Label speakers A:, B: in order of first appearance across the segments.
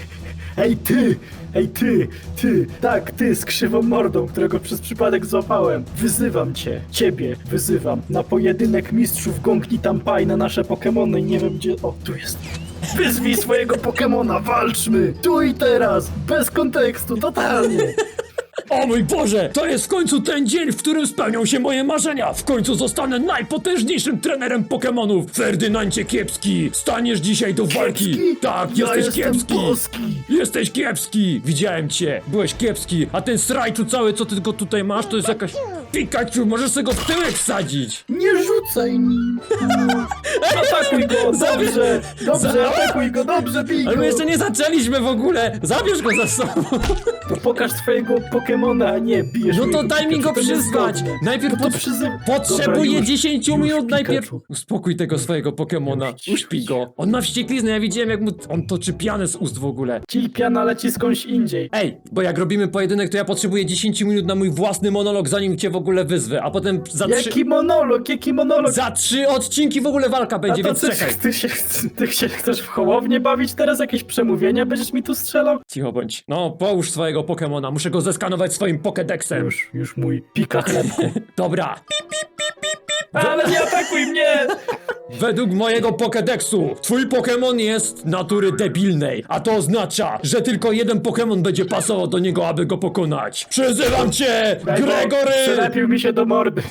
A: Ej ty! Ej ty! Tak, ty z krzywą mordą, którego przez przypadek złapałem. Wyzywam ciebie wyzywam na pojedynek mistrzów Gongni Tampai na nasze Pokemony i nie wiem gdzie... O, tu jest. Wyzwij swojego Pokemona, walczmy! Tu i teraz! Bez kontekstu, totalnie!
B: O mój Boże! To jest w końcu ten dzień, w którym spełnią się moje marzenia! W końcu zostanę najpotężniejszym trenerem Pokemonów! Ferdynandzie Kiepski! Staniesz dzisiaj do walki!
A: Kiepski?
B: Tak,
A: Ja
B: jesteś
A: jestem
B: kiepski!
A: boski.
B: Jesteś kiepski! Widziałem cię! Byłeś kiepski! A ten srajczu cały, co ty go tutaj masz, to jest jakaś... Pikachu! Możesz sobie go w tyłek wsadzić!
A: Nie rzucaj nim! Atakuj go! Dobrze! Dobrze, atakuj go! Dobrze, bij go!
B: Ale my jeszcze nie zaczęliśmy w ogóle! Zabierz go za sobą!
A: To pokaż swojego Pokemona, a nie bijesz
B: No to
A: mojego
B: daj mi
A: Pikachu,
B: go
A: to
B: przyzwać!
A: niezgodne.
B: Najpierw
A: No to przyzy-
B: potrzebuję
A: Dobra,
B: 10
A: już,
B: minut
A: Pikachu.
B: najpierw. Uspokój tego swojego Pokemona.
A: Już.
B: Uśpij go. On ma wściekliznę, ja widziałem jak mu on toczy pianę z ust w ogóle.
A: Ci piana leci skądś indziej.
B: Ej, bo jak robimy pojedynek, to ja potrzebuję 10 minut na mój własny monolog, zanim cię w ogóle wyzwę, a potem
A: Jaki monolog, jaki monolog!
B: za 3 odcinki w ogóle walka
A: A
B: będzie,
A: to
B: więc czekaj.
A: ty się chcesz w Hołownię bawić teraz? Jakieś przemówienia będziesz mi tu strzelał?
B: Cicho bądź. No, połóż swojego Pokemona, muszę go zeskanować swoim Pokédexem.
A: Już mój pika chlebku.
B: Dobra.
A: Ale nie atakuj mnie!
B: Według mojego Pokédexu, twój Pokémon jest natury debilnej, a to oznacza, że tylko jeden Pokémon będzie pasował do niego, aby go pokonać. Przyzywam cię,
A: Daj, bo
B: Gregory!
A: Przylepił mi się do mordy.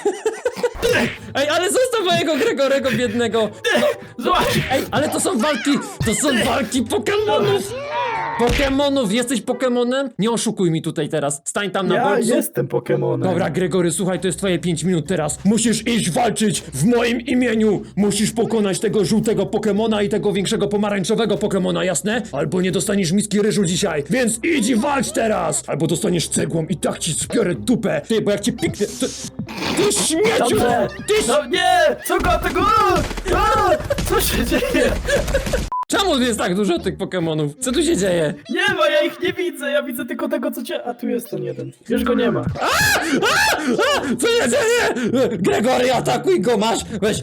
B: Ej, ale zostaw mojego Gregorego biednego!
A: Zobacz!
B: Ej, ale to są walki Pokemonów! Pokemonów, jesteś Pokemonem? Nie oszukuj mi tutaj teraz, stań tam na
A: Ja
B: bolcu.
A: jestem Pokemonem.
B: Dobra, Gregory, słuchaj, to jest twoje 5 minut teraz. Musisz iść walczyć w moim imieniu. Musisz pokonać tego żółtego Pokemona i tego większego pomarańczowego Pokemona, jasne? Albo nie dostaniesz miski ryżu dzisiaj, więc idź i walcz teraz! Albo dostaniesz cegłą i tak ci spiorę dupę. Ty, bo jak cię piknę... Ty śmieciu!
A: Dobrze!
B: Ty
A: No nie! Co go tego? Co się dzieje?
B: Czemu jest tak dużo tych Pokemonów? Co tu się dzieje?
A: Nie ma, ja ich nie widzę, ja widzę tylko tego co cię... A tu jest ten jeden. Już go nie ma.
B: Co się dzieje? Gregory, atakuj go, masz! Weź!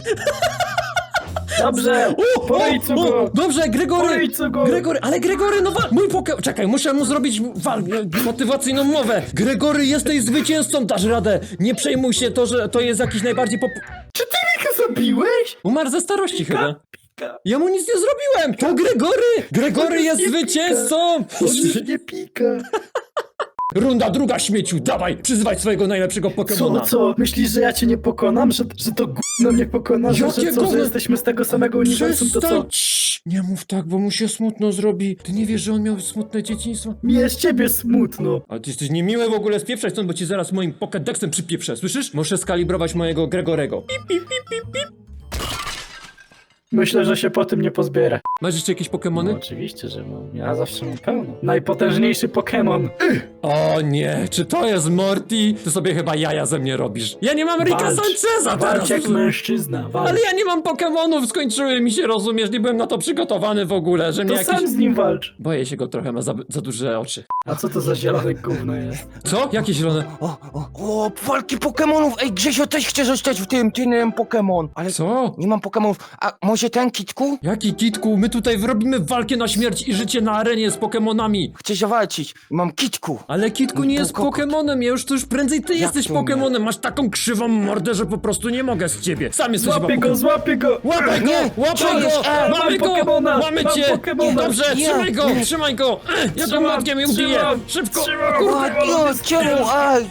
A: Dobrze! Po ryjcu go!
B: Dobrze, Gregory!
A: Po ryjcu go!
B: Gregory, ale Gregory, no mój Czekaj, muszę mu zrobić motywacyjną mowę. Gregory, jesteś zwycięzcą, dasz radę. Nie przejmuj się to, że to jest jakiś najbardziej
A: Czy ty mnie zabiłeś?
B: Umarł ze starości chyba.
A: Pika.
B: Ja mu nic nie zrobiłem! To Gregory! Gregory jest
A: nie
B: zwycięzcą!
A: On już nie pika.
B: Runda druga, śmieciu, dawaj, przyzwaj swojego najlepszego
A: Co,
B: Pokemona.
A: no co? Myślisz, że ja cię nie pokonam? Że to gówno mnie pokona? Że
B: Jakie
A: co,
B: gówno?
A: że jesteśmy z tego samego uniwersum, to co?
B: Przestań! Cii, nie mów tak, bo mu się smutno zrobi. Ty nie wiesz, że on miał smutne dzieciństwo?
A: Mi jest ciebie smutno.
B: Ale ty jesteś niemiły w ogóle, spieprzaj stąd, bo ci zaraz moim Pokédexem przypieprzę, słyszysz? Muszę skalibrować mojego Gregorego. Pip, pip, pip, pip, pip.
A: Myślę, że się po tym nie pozbiera.
B: Masz jeszcze jakieś Pokemony?
A: No, oczywiście, że mam. Ja zawsze mam pełno. Najpotężniejszy Pokemon.
B: O nie, czy to jest Morty? Ty sobie chyba jaja ze mnie robisz. Ja nie mam Ricka
A: Walcz.
B: Sancheza
A: Walcz
B: teraz!
A: jak mężczyzna. Walcz.
B: Ale ja nie mam Pokemonów, skończyły mi się, rozumiesz? Nie byłem na to przygotowany w ogóle, że mnie
A: To
B: jakiś...
A: sam z nim walcz.
B: Boję się go trochę, ma za duże oczy.
A: A co to za zielone gówno jest?
B: Co? Jakie zielone?
C: O, walki Pokemonów! Ej, Grzesio też chce zostać w tym Pokemon. Ale
B: Co?
C: nie mam Pokemonów. A może ten Kitku?
B: Jaki Kitku? My tutaj robimy walkę na śmierć i życie na arenie z Pokemonami.
C: Chcę zawalczyć. Mam Kitku.
B: Ale Kitku nie jest Pokemonem, ja już to już prędzej ty jesteś
C: to nie?
B: Pokemonem. Masz taką krzywą mordę, że po prostu nie mogę z ciebie. Sam jesteś
A: Złapię
B: chyba
A: go, złapię go!
B: Łapaj go!
C: Nie,
B: Łapaj
C: co jest?
B: go! Mamy
A: mam
B: go!
A: Pokemona,
B: Mamy
A: mam
B: cię!
A: Pokemona.
B: Dobrze,
C: Nie,
B: trzymaj go!
C: nie.
B: Trzymaj go! Ja go młotkiem je ubiję!
A: trzymam,
B: Szybko!
A: trzymam.
B: Kurde.
C: A, no, czemu? Aj!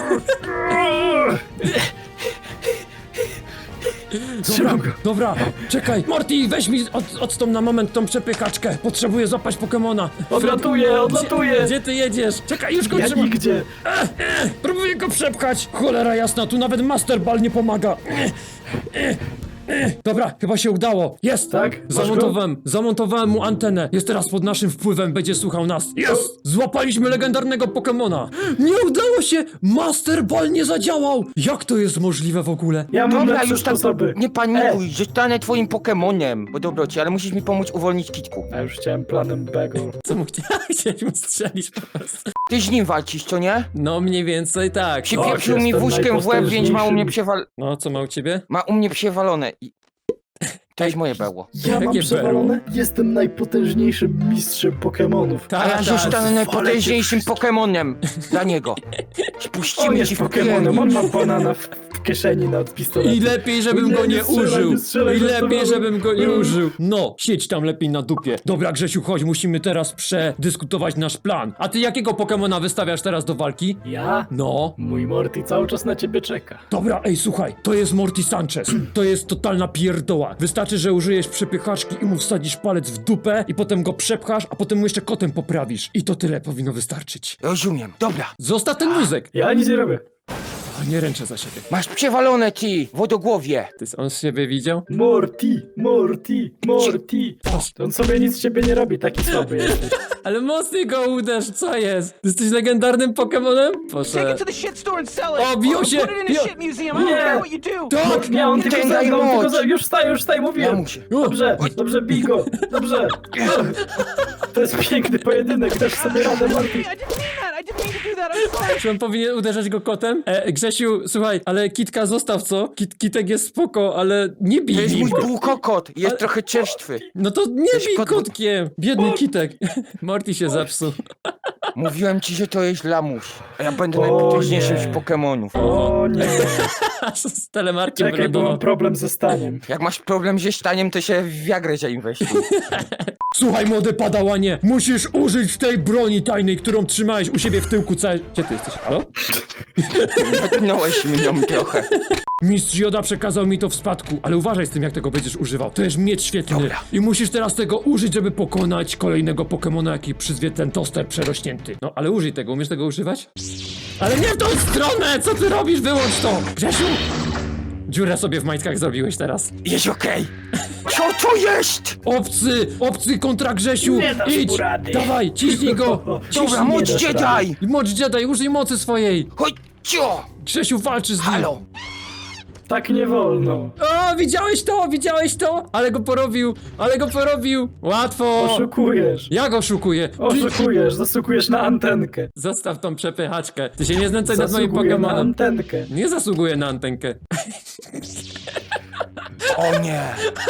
A: Trzymam go.
B: Dobra, czekaj! Morty, weź mi odstąp na moment tą przepykaczkę. Potrzebuję złapać Pokemona.
A: Odlatuję, odlatuję.
B: Gdzie ty jedziesz? Czekaj, już go
A: Ja
B: trzymam.
A: nigdzie.
B: Próbuję go przepchać! Cholera jasna, tu nawet Master Ball nie pomaga! Dobra, chyba się udało. Jest!
A: Tak? Masz
B: Zamontowałem mu antenę. Jest teraz pod naszym wpływem, będzie słuchał nas. Jest! Złapaliśmy legendarnego Pokemona. Nie udało się! Master Ball nie zadziałał! Jak to jest możliwe w ogóle?
A: Ja mam
C: Dobra,
A: lepsze
C: już tak
A: sposoby.
C: nie panikuj. Zostanę twoim Pokemonem. Bo dobroci, ale musisz mi pomóc uwolnić Kitku.
A: Ja już chciałem planem Bagel.
B: Co mu chciałeś mu strzelić po prostu?
C: Ty z nim walczysz, co nie?
B: No mniej więcej tak.
C: Przypieprzył mi
A: jestem
C: wózkiem w łeb, więc ma u mnie
A: najpotężniejszym.
B: No, co ma u ciebie?
C: Ma u mnie przewalone. To jest moje berło.
A: Ja mam
B: Jakie
A: przewalone? Jestem najpotężniejszym mistrzem Pokemonów.
C: A ja zostanę
A: tak,
C: najpotężniejszym Pokemonem dla niego.
A: On
C: Spuścimy
A: jest
C: ci w
A: Pokemonem,
C: pierdol.
A: on ma banana w kieszeni na pistolet.
B: I lepiej, żebym
A: Nie,
B: go nie
A: nie strzelaj,
B: użył.
A: nie strzelaj,
B: I lepiej,
A: żartowałem.
B: żebym go nie użył. No, siedź tam lepiej na dupie. Dobra, Grzesiu, chodź, musimy teraz przedyskutować nasz plan. A ty jakiego Pokemona wystawiasz teraz do walki?
A: Ja?
B: No.
A: Mój Morty cały czas na ciebie czeka.
B: Dobra, ej, słuchaj, to jest Morty Sanchez. To jest totalna pierdoła. Wystarczy, że użyjesz przepychaczki i mu wsadzisz palec w dupę i potem go przepchasz, a potem mu jeszcze kotem poprawisz. I to tyle powinno wystarczyć.
C: Rozumiem. Dobra.
B: Zostaw ten wózek.
A: Ja nic nie robię.
B: A nie ręczę za siebie.
C: Masz przewalone ci, wodogłowie.
B: Ty on z siebie widział?
A: Morty, Morty, Morty. On sobie nic z ciebie nie robi, taki słaby jesteś.
B: Ale mocniej go uderz, co jest? Ty jesteś legendarnym Pokemonem?
D: Take
B: Proszę.
D: it to the shit store and sell it.
B: O, biją
D: Or
B: się,
D: put it in a
B: biją-
D: shit museum. I don't
A: Nie.
D: care what you do.
B: Tak!
A: Nie, on tylko
C: Ten
A: za
C: daj
A: mną,
C: moc.
A: tylko za... Już wstaję, mówiłem.
C: Ja muszę.
A: Dobrze, dobrze, bij go. Dobrze. To jest piękny pojedynek, dasz sobie radę, Morty.
D: I didn't mean that. I didn't mean to do that. I'm sorry.
B: Czy on powinien uderzać go kotem? Grzesiu, słuchaj, ale Kitka zostaw, co? Kitek jest spoko, ale nie bij
C: To jest
B: nim.
C: mój bułkokot. Jest trochę czerstwy.
B: No to nie
C: Jesteś
B: bij
C: kot-
B: kotkiem. Biedny Kitek. Morty się zepsuł.
C: Mówiłem ci, że to jest lamus. A ja będę
A: O
C: najpotężniejszym
A: nie.
C: z Pokemonów.
A: O nie,
B: Z telemarkiem
A: czekaj, bo mam
B: wylądował.
A: problem ze staniem.
C: Jak masz problem ze staniem, to się w Viagrę zainwestuj.
B: Słuchaj, młody padałanie, musisz użyć tej broni tajnej, którą trzymałeś u siebie w tyłku całe... Gdzie ty jesteś? Halo?
C: Natknąłeś mnie trochę.
B: Mistrz Joda przekazał mi to w spadku, ale uważaj z tym, jak tego będziesz używał. To jest miecz świetny.
C: Dobra.
B: I musisz teraz tego użyć, żeby pokonać kolejnego Pokemona, jaki przyzwie ten toster przerośnięty. No, ale użyj tego. Umiesz tego używać? Ale nie w tą stronę! Co ty robisz? Wyłącz to! Grzesiu! Dziurę sobie w majtkach zrobiłeś teraz.
C: Jest okej. Co to jest?
B: Obcy kontra Grzesiu!
A: Nie dasz
B: Idź!
A: mu rady.
B: Dawaj, ciśnij go!
C: Dobra,
A: nie
C: moc
A: dasz
C: Jedi!
B: Moc Jedi, użyj mocy swojej!
C: Chodź, cio!
B: Grzesiu walczy z nim!
C: Halo!
A: Tak nie wolno.
B: O, widziałeś to? Ale go porobił! Łatwo!
A: Oszukujesz.
B: Jak oszukuję?
A: Oszukujesz, zasługujesz na antenkę.
B: Zostaw tą przepychaczkę. Ty się nie znęcaj nad moim
A: Zasługuję na
B: Pokemonem.
A: antenkę.
B: Nie zasługuję na antenkę.
C: O nie!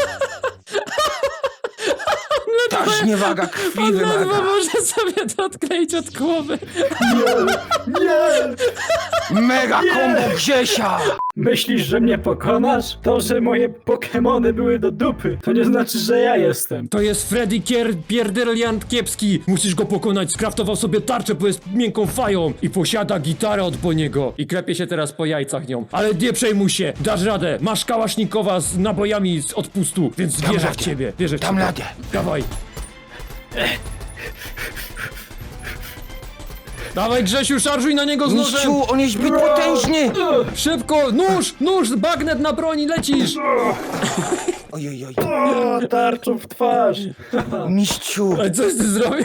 C: Ta zniewaga krwi
B: On ledwo
C: wymaga.
B: może sobie to odkleić od głowy.
A: Nie!
C: Mega kombo Grzesia!
A: Myślisz, że mnie pokonasz? To, że moje Pokemony były do dupy, to nie znaczy, że ja jestem.
B: To jest Freddy Pierderliant kiepski. Musisz go pokonać. Skraftował sobie tarczę, bo jest miękką fają. I posiada gitarę od Boniego. I klepie się teraz po jajcach nią. Ale nie przejmuj się. Dasz radę. Masz kałasznikowa z nabojami z odpustu. Więc wierzę w
C: radę.
B: ciebie. Wierzę w
C: Dam
B: ciebie.
C: radę.
B: Dawaj. Dawaj, Grzesiu, szarżuj na niego z nożem!
C: Mistrzu, on jest zbyt potężny!
B: Szybko! Nóż! Bagnet na broni, lecisz!
C: Ojej,
A: O, tarczą w twarz.
C: mistrzu!
B: Ale coś ty zrobił?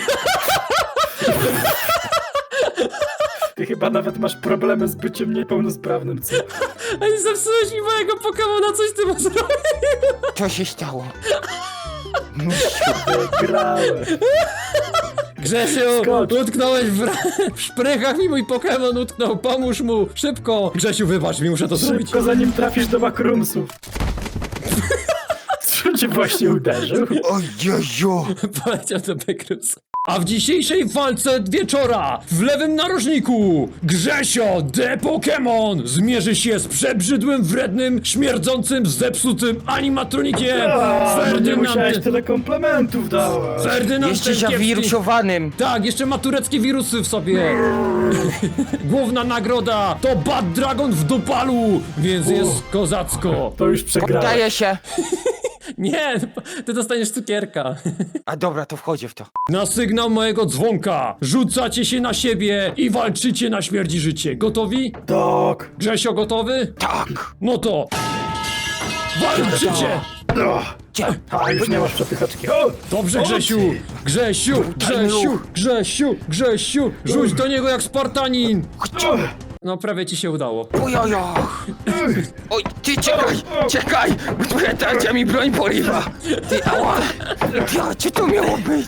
A: Ty chyba nawet masz problemy z byciem niepełnosprawnym, co?
B: Ej, zepsułeś mi mojego Pokemona, coś ty mu zrobił!
C: Co się stało? Mistrzu,
A: Grałem.
B: Grzesiu,
A: Skocz.
B: utknąłeś w szprychach mi mój Pokemon utknął, pomóż mu! Szybko! Grzesiu, wybacz mi, muszę to zrobić.
A: Szybko, zanim trafisz do makrumsów. Co cię właśnie uderzył?
C: ojeju!
B: Poleciał do Bekrus. A w dzisiejszej walce wieczora w lewym narożniku Grzesio The Pokémon zmierzy się z przebrzydłym, wrednym, śmierdzącym, zepsutym animatronikiem
A: A, nie musiałeś tyle komplementów dawać.
B: Ferdynand
C: Jeszcze
B: Kiepski.
C: zawirusowanym!
B: Tak, jeszcze ma tureckie wirusy w sobie. Główna nagroda to Bad Dragon w dupalu, więc jest kozacko.
A: To już przegrałem.
C: Daje się!
B: Nie, ty dostaniesz cukierka.
C: A dobra, to wchodzę w to.
B: Na sygnał mojego dzwonka rzucacie się na siebie i walczycie na śmierć i życie. Gotowi?
A: Tak.
B: Grzesio gotowy?
C: Tak!
B: No to walczycie!
A: No.
C: Cie.
A: A, już nie masz przepychaczki. O!
B: Dobrze, Grzesiu! Grzesiu! Grzesiu! Grzesiu! Grzesiu! Rzuć do niego jak Spartanin!
A: O!
B: No prawie ci się udało.
C: Ojojo! Oj, ty czekaj! Twoja tarcza mi broń porywa! Ty, ała! Ja, co to miało być?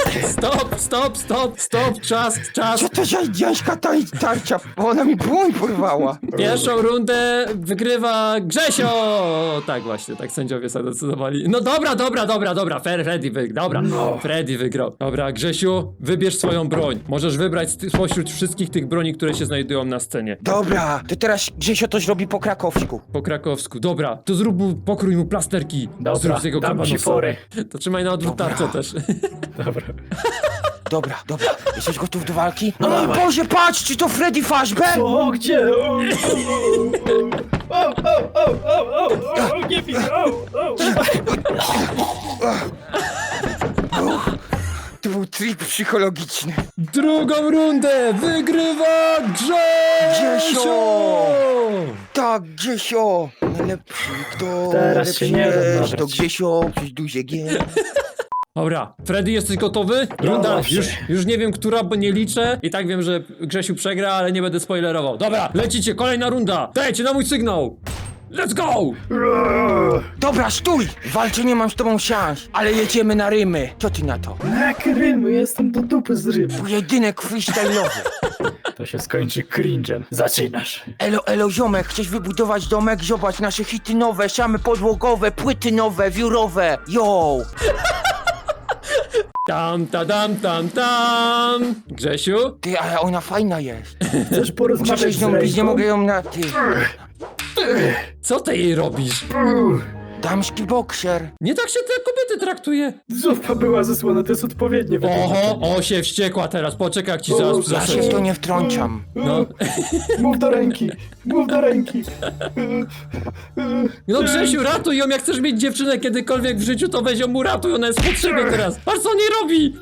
B: Stop, czas.
C: Co to za dziańska tarcza? Ona mi broń porwała!
B: Pierwszą rundę wygrywa Grzesio! Tak właśnie, tak sędziowie zadecydowali. No dobra, Freddy wygrał. Dobra, Freddy wygrał. Dobra, Grzesiu, wybierz swoją broń. Możesz wybrać spośród wszystkich tych broni, które się znajdują na scenie.
C: Dobra, to teraz Grzesio to zrobi po krakowsku.
B: Po krakowsku. Dobra, to pokrój mu plasterki.
A: Dobra,
B: Zrób z jego
A: dam ci
B: kabanosa.
A: forę.
B: To trzymaj na odwrót
C: Dobra.
B: tarczę też.
A: Dobra.
C: Dobra. Jesteś gotów do walki? No mój Boże, patrz, czy to Freddy Fazbear?
A: O, gdzie? O, nie wiem,
C: To był trik psychologiczny.
B: Drugą rundę wygrywa
C: Grzesio! Tak, Grzesio! Najlepszy, kto
A: Teraz
C: najlepszy
A: się nie da
C: jest,
A: nawet.
C: to Grzesio przez duże G.
B: Dobra, Freddy, jesteś gotowy? Runda,
A: zawsze.
B: już nie wiem, która, bo nie liczę. I tak wiem, że Grzesiu przegra, ale nie będę spoilerował. Dobra, lecicie, kolejna runda. Dajcie na mój sygnał. Let's go!
C: Dobra, stój! Walczy, nie mam z tobą szans, ale jedziemy na rymy. Co ty na to?
A: Jak rymy, jestem do dupy z rymu.
C: Pojedynek freestyle'owy.
A: To się skończy cringe'em. Zaczynasz.
C: Elo, ziomek, chcesz wybudować domek? Zobacz, nasze hity nowe, szamy podłogowe, płyty nowe, wiórowe. Yo!
B: Tam. Grzesiu?
C: Ty, ale ona fajna jest.
A: Chcesz
C: Muszę
A: porozmawiać
C: się z
A: z
C: nią bić, nie
A: ręką?
C: mogę ją na... Ty,
B: Co ty jej robisz?
C: damski bokser.
B: Nie tak się te kobiety traktuje.
A: Zupa była zesłana, to jest odpowiednie wytłumaczenie.
B: Oho, się wściekła teraz. Poczekaj, jak ci zaraz
C: Ja się w
B: zasadzi.
C: to nie wtrącam.
B: No.
A: Mów do ręki, mów do ręki.
B: No Grzesiu, ratuj ją, jak chcesz mieć dziewczynę kiedykolwiek w życiu, to weź ją mu ratuj, ona jest w potrzebie teraz. Patrz, co on nie robi!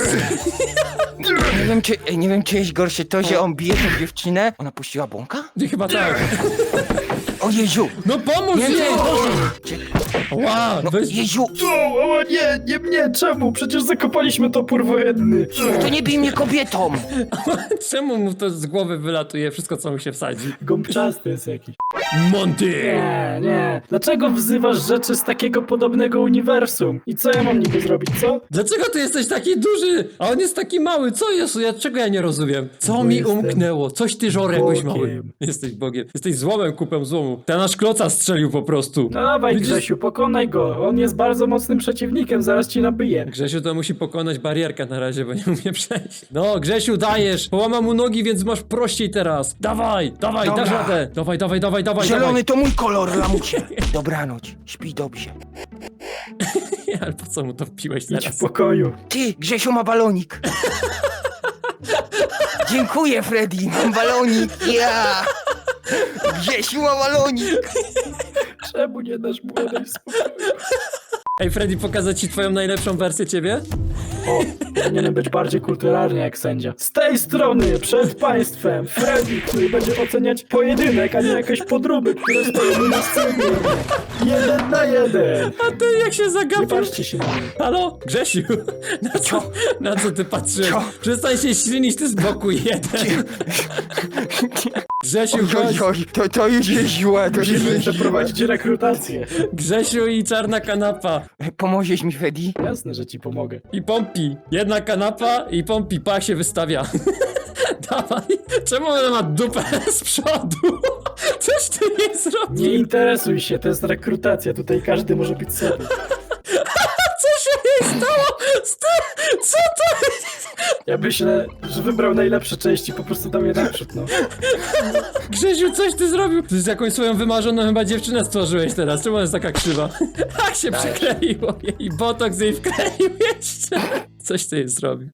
C: Nie wiem, czy jest gorsze to, że on bije tą dziewczynę. Ona puściła bąka?
B: Nie, chyba tak.
C: O Jezu!
B: No pomóż
C: Nie,
B: jej!
C: nie,
B: Ła,
C: no,
B: weź...
C: Jezu!
A: O nie mnie, czemu? Przecież zakopaliśmy topór wojenny.
C: To nie bij mnie kobietą!
B: Czemu mu to z głowy wylatuje wszystko, co mu się wsadzi?
A: Gąbczasty jest jakiś.
B: Monty!
A: Nie. Dlaczego wzywasz rzeczy z takiego podobnego uniwersum? I co ja mam niby zrobić, co?
B: Dlaczego ty jesteś taki duży, a on jest taki mały? Co jest? Czego ja nie rozumiem? Co
A: Bo
B: mi
A: jestem
B: umknęło? Coś ty żor jakoś
A: Bogiem.
B: mały. Jesteś Bogiem. Jesteś złomem, kupem złomu. Ten nasz kloca strzelił po prostu.
A: No dawaj,
B: Widzisz?
A: Grzesiu, pokonaj go. On jest bardzo mocnym przeciwnikiem, zaraz ci nabije.
B: Grzesiu to musi pokonać barierkę na razie, bo nie umie przejść. No, Grzesiu, dajesz! Połamam mu nogi, więc masz prościej teraz. Dawaj,
C: Dobra.
B: dasz radę. Dawaj.
C: Zielony to mój kolor, lamusie. Dobranoc, śpi dobrze.
B: Ale po co mu to wpiłeś
A: Idź
B: teraz?
A: w pokoju.
C: Ty, Grzesiu ma balonik. Dziękuję, Freddy, mam balonik. Ja! Grzesiu ma balonik.
A: Czemu nie dasz młodej spokoju?
B: Ej, Freddy, pokazać ci twoją najlepszą wersję ciebie?
A: O, powinienem być bardziej kulturalny jak sędzia. Z tej strony, przed państwem, Freddy, który będzie oceniać pojedynek, a nie jakieś podróby, które stoją na scenie. 1 na 1.
B: A ty jak się
A: Nie
B: zagapisz?
A: patrzcie się na mnie.
B: Halo? Grzesiu? Na co ty patrzyłeś?
C: Co?
B: Przestań się ślinić, ty z boku jeden. Grzesiu, chodź.
C: Oj, to już jest źle, to już
A: Musimy
C: jest źle.
A: przeprowadzić rekrutację.
B: Grzesiu i czarna kanapa.
C: Pomożesz mi, Freddy?
A: Jasne, że ci pomogę.
B: I pompi. Jedna kanapa i pompi. Pa się wystawia. Dawaj. Czemu ona ma dupę z przodu? Coś ty nie zrobił.
A: Nie interesuj się, to jest rekrutacja, tutaj każdy może być sobie.
B: Co się jej stało? Co to jest?
A: Ja myślę, że wybrał najlepsze części, po prostu dał je naprzód, no.
B: Grzesiu, coś ty zrobił? Ty z jakąś swoją wymarzoną chyba dziewczynę stworzyłeś teraz. Czemu ona jest taka krzywa? Jak się przykleiło jej botoks jej wkleił jeszcze. Coś ty jej zrobił.